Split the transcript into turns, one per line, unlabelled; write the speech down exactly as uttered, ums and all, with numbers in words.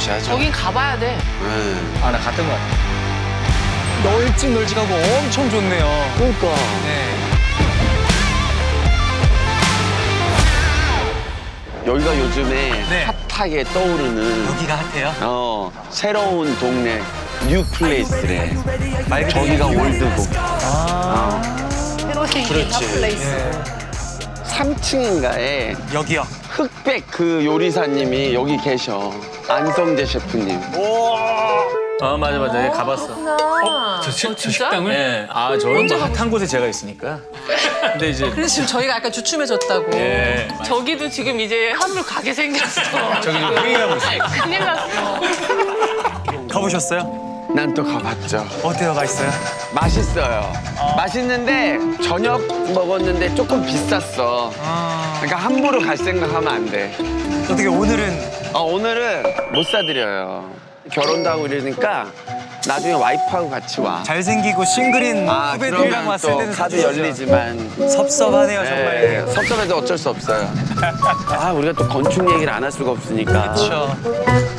무시하죠.
저긴 가봐야 돼.
네.
아, 나 갔던 것 같아. 널찍널찍하고 엄청 좋네요.
그러니까.
네.
여기가 요즘에
네.
핫하게 떠오르는
여기가 핫해요?
어 새로운 동네 뉴 플레이스래.
말 그대로
저기가 올드고.
아,
새로 생긴 핫플레이스.
삼 층인가에
여기요.
흑백 그 요리사님이 여기 계셔. 안성재 셰프님.
어 맞아 맞아 얘 가봤어.
어,
저, 시,
어,
저
진짜?
식당을? 네. 아 저는
언제
뭐 핫한 곳에 제가 있으니까. 근데 이제
그래서 지금 저희가 약간 주춤해졌다고.
예
저기도 지금 이제 한물 가게 생겼어.
저기 좀 회의하고 있어요.
큰일 났어.
가보셨어요?
난 또 가봤죠.
어때요? 맛있어요?
맛있어요. 맛있는데 저녁 먹었는데 조금 비쌌어.
아,
그러니까 함부로 갈 생각하면 안 돼.
어떻게 오늘은
어, 오늘은 못 사드려요. 결혼도 하고 이러니까 나중에 와이프하고 같이 와.
잘생기고 싱글인
아,
후배들이랑
그러면
왔을
또
때는
카드
사주시죠.
열리지만
섭섭하네요, 정말.
예, 섭섭해도 어쩔 수 없어요. 아, 우리가 또 건축 얘기를 안 할 수가 없으니까.
그렇죠.